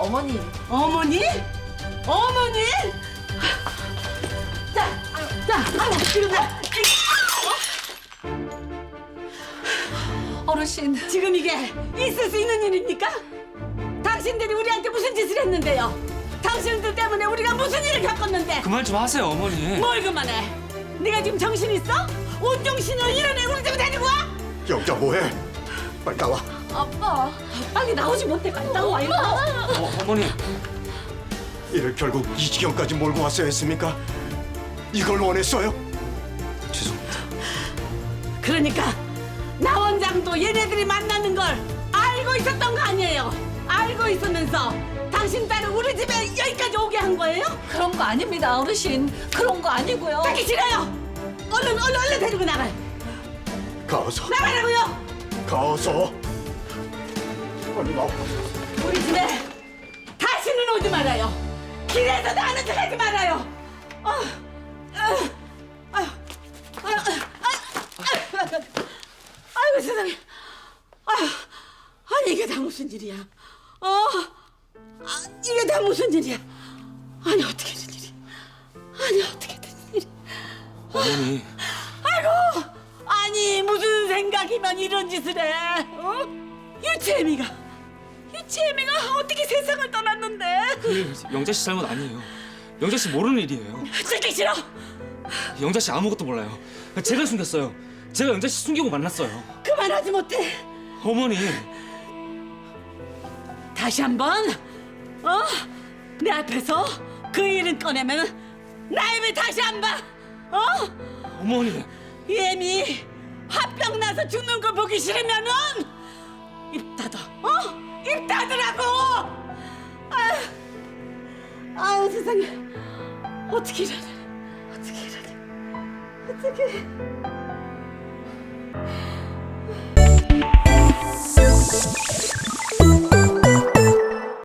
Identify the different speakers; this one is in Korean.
Speaker 1: 어머니.
Speaker 2: 어머니? 어머니? 자, 아유, 지금
Speaker 1: 어르신.
Speaker 2: 지금 이게 있을 수 있는 일입니까? 당신들이 우리한테 무슨 짓을 했는데요? 당신들 때문에 우리가 무슨 일을 겪었는데?
Speaker 3: 그만 좀 하세요, 어머니.
Speaker 2: 뭘 그만해? 네가 지금 정신 있어? 온 정신으로 이런 애 우리 집에 데리고 와?
Speaker 4: 영자 뭐해? 빨리 나와.
Speaker 1: 아빠.
Speaker 2: 빨리 나오지 못해. 빨리 나와. 이리 나와.
Speaker 3: 어머니.
Speaker 4: 이를 결국 이 지경까지 몰고 왔어야 했습니까? 이걸 원했어요?
Speaker 3: 죄송합니다.
Speaker 2: 그러니까 나 원장도 얘네들이 만나는 걸 알고 있었던 거 아니에요? 알고 있으면서 당신 딸을 우리 집에 여기까지 오게 한 거예요?
Speaker 1: 그런 거 아닙니다, 어르신. 그런 거 아니고요.
Speaker 2: 듣기 싫어요. 얼른 데리고 나가.
Speaker 4: 가서.
Speaker 2: 나가라고요.
Speaker 4: 가서. 빨리 나와.
Speaker 2: 우리 집에 다시는 오지 말아요. 길에서 나는 척 하지 말아요. 아이고 세상에. 아니 이게 다 무슨 일이야? 이게 다 무슨 일이야? 아니 어떻게 된 일이? 아니 어떻게 된 일이?
Speaker 3: 어머니.
Speaker 2: 아이고 아니 무슨 생각이면 이런 짓을 해? 유채미가 어떻게 세상을 떠났는데?
Speaker 3: 영자 씨 잘못 아니에요. 영자 씨 모르는 일이에요.
Speaker 2: 듣기 싫어.
Speaker 3: 영자 씨 아무것도 몰라요. 제가 숨겼어요. 제가 영자 씨 숨기고 만났어요.
Speaker 2: 그만하지 못해.
Speaker 3: 어머니.
Speaker 2: 다시 한번 내 앞에서 그 일은 꺼내면 나 입에 다시 안 봐.
Speaker 3: 어머니.
Speaker 2: 예미 화병 나서 죽는 걸 보기 싫으면은 입 닫아. 입 닫으라고. 아유 세상에. 어떻게 이러냐. 어떻게.